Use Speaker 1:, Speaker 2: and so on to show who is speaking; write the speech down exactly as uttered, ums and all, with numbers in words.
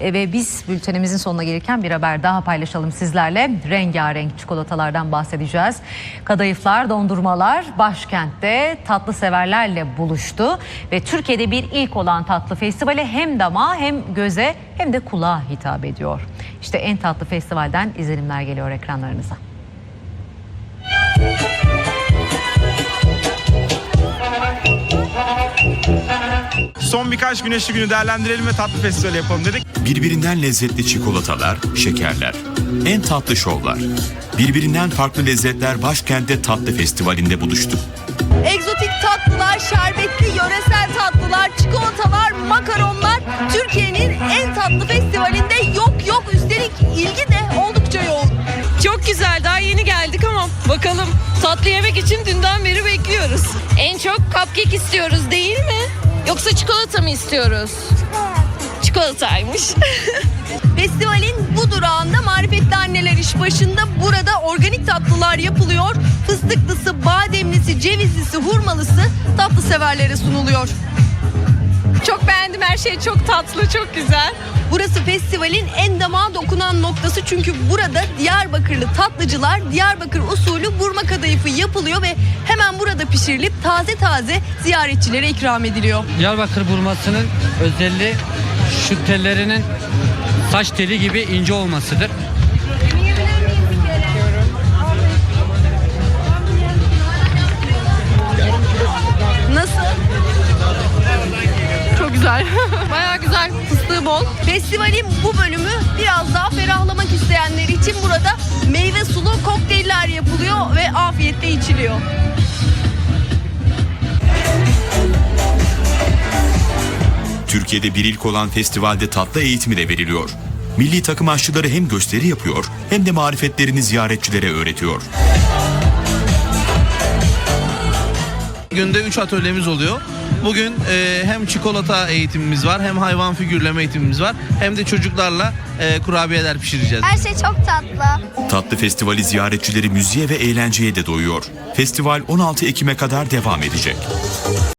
Speaker 1: E, ve biz bültenimizin sonuna gelirken bir haber daha paylaşalım sizlerle. Rengarenk çikolatalardan bahsedeceğiz. Kadayıflar, dondurmalar başkentte tatlı severlerle buluştu ve Türkiye'de bir ilk olan tatlı festivali hem damağa hem göze hem de kulağa hitap ediyor. İşte en tatlı festivalden izlenimler geliyor ekranlarınıza.
Speaker 2: Son birkaç güneşli günü değerlendirelim ve tatlı festivali yapalım dedik.
Speaker 3: Birbirinden lezzetli çikolatalar, şekerler, en tatlı şovlar. Birbirinden farklı lezzetler başkentte tatlı festivalinde buluştu.
Speaker 4: Egzotik tatlılar, şerbetli yöresel tatlılar, çikolatalar, makaronlar Türkiye'nin en tatlı festivalinde yok yok. Üstelik ilgi de oldukça yoğun.
Speaker 5: Çok güzel, daha yeni geldik ama bakalım tatlı yemek için dünden beri bekliyoruz. En çok cupcake istiyoruz değil mi? Yoksa çikolata mı istiyoruz? Çikolataymış.
Speaker 4: Festivalin bu durağında marifetli anneler iş başında. Burada organik tatlılar yapılıyor. Fıstıklısı, bademlisi, cevizlisi, hurmalısı tatlı severlere sunuluyor.
Speaker 5: Çok beğendim, her şey çok tatlı, çok güzel.
Speaker 4: Burası festivalin en damağa dokunan noktası, çünkü burada Diyarbakırlı tatlıcılar Diyarbakır usulü burma kadayıfı yapılıyor ve hemen burada pişirilip taze taze ziyaretçilere ikram ediliyor.
Speaker 6: Diyarbakır burmasının özelliği şu tellerinin saç teli gibi ince olmasıdır.
Speaker 4: Nasıl?
Speaker 5: Çok güzel. Bayağı güzel, fıstığı bol.
Speaker 4: Festivalin bu bölümü biraz daha ferahlamak isteyenler için burada meyve sulu kokteyller yapılıyor ve afiyetle içiliyor.
Speaker 3: Türkiye'de bir ilk olan festivalde tatlı eğitimi de veriliyor. Milli takım aşçıları hem gösteri yapıyor hem de marifetlerini ziyaretçilere öğretiyor.
Speaker 7: Günde üç atölyemiz oluyor. Bugün e, hem çikolata eğitimimiz var, hem hayvan figürleme eğitimimiz var, hem de çocuklarla e, kurabiyeler pişireceğiz.
Speaker 8: Her şey çok tatlı.
Speaker 3: Tatlı festivali ziyaretçileri müziğe ve eğlenceye de doyuyor. Festival on altı Ekim'e kadar devam edecek.